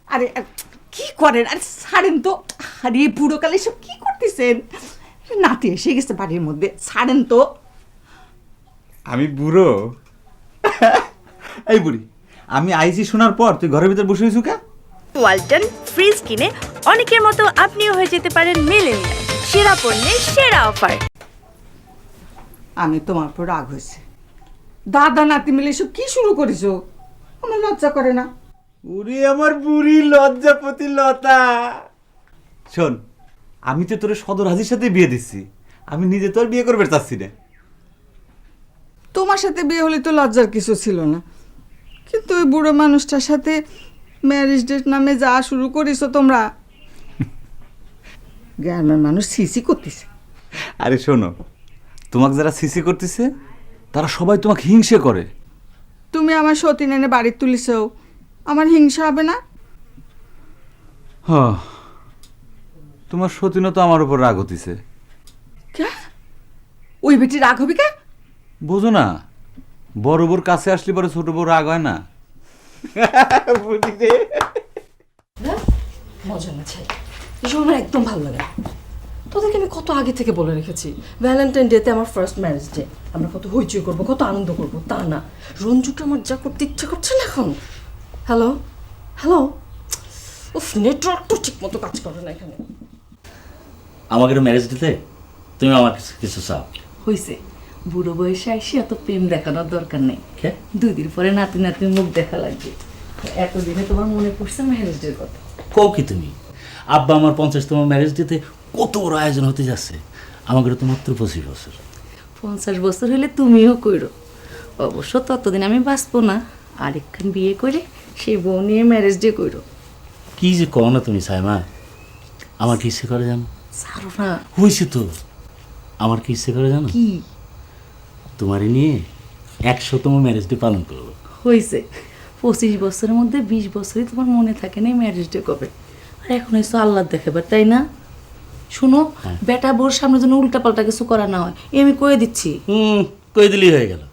আরে কি করেন? আরে ছাড়েন তো। আরে বুড়োকালে সব কি করতেছেন? নাতি এসে গেছে বাড়ির মধ্যে, ছাড়েন তো। আমি বুড়ো? এই বুড়ি, আমি আইসি শোনার পর তুই ঘরের ভিতর বসে হয়েছু কে? ওয়ালটন ফ্রিজ কিনে অনেকের মতো আপনিও হয়ে যেতে পারেন মিলেনিয়াল। সেরা পণ্যের সেরা অফার। আমি তোমার উপর রাগ হয়েছে। দাদা নাতি মিলে সব কি শুরু করেছো? আমার লজ্জা করে না? ওরে আমার বুড়ি লজ্জাপতি লতা, শোন, আমি তো তোর সদর হাজির সাথে বিয়ে দিচ্ছি, আমি নিজে তো আর বিয়ে করবে চাচ্ছি না। তোমার সাথে বিয়ে হলে তো লজ্জার কিছু ছিল না, কিন্তু ওই বুড়ো মানুষটার সাথে ম্যারেজ ডেট নামে যা শুরু করেছো তোমরা, গ্রামের মানুষ সিসি করতেছে। আরে শোনো, তোমাকে যারা সিসি করতেছে তারা সবাই তোমাকে হিংসে করে। তুমি আমার সতীন এনে বাড়ি তুলিছো, আমার হিংসা হবে না? হ্যাঁ, তোমার সতীনও তো আমার উপর রাগ হতিছে। কে? ওই বেটি রাগ হবে কে? বোঝো না, বড় বোর কাছে আসলে পরে ছোট বউ রাগ হয় না। মজা না ছাই, এসব আমার একদম ভালো লাগে না। তোদেরকে আমি কত আগে থেকে বলে রেখেছি ভ্যালেন্টাইন ডেতে আমার ফার্স্ট ম্যারেজ ডে, আমরা কত হইচই করবো, কত আনন্দ করবো, তা না। রঞ্জুটা আমার যা করতে ইচ্ছা করছে না এখন। হ্যালো হ্যালো, উফ, নেটওয়ার্ক তো ঠিক মতো কাজ করে না এখানে। আমাকে ম্যারেজ দিতে তুমি আমার কিছু চাও? হয়েছে, বুড়ো বয়সে আইসি এত প্রেম দেখানোর দরকার নেই। কে? 2 দিন পরে নাতি নাতির মুখ দেখা লাগবে। এতদিনে তোমার মনে পড়ছে ম্যারেজ ডের কথা? কও কি তুমি? আব্বা আমার 50তম ম্যারেজ দিতে কত বড় আয়োজন হতে যাচ্ছে, আমাকে তো মাত্র 25 বছর। 50 বছর হলে তুমিও কইরো। অবশ্য ততদিন আমি বাঁচবো না, আরেকখান বিয়ে করে সে বউ নিয়ে ম্যারেজ ডে কইরো। কি যে কও না তুমি সাইমা, আমার কি ইচ্ছে করে জানো? ছাড়ো না। হয়েছে তো, আমার কি ইচ্ছে করে জানো? কি? তোমারে নিয়ে 100তম ম্যারেজ ডে পালন করবো। হয়েছে, 25 বছরের মধ্যে 20 বছরই তোমার মনে থাকে না ম্যারেজ ডে কবে। আর এখন এসো আল্লাহ দেখাবার, তাই না? শুনো, বেটা বোর সামনে যেন উল্টা পাল্টা কিছু করা না হয়, এ আমি কয়ে দিচ্ছি। কই দিলেই হয়ে গেল।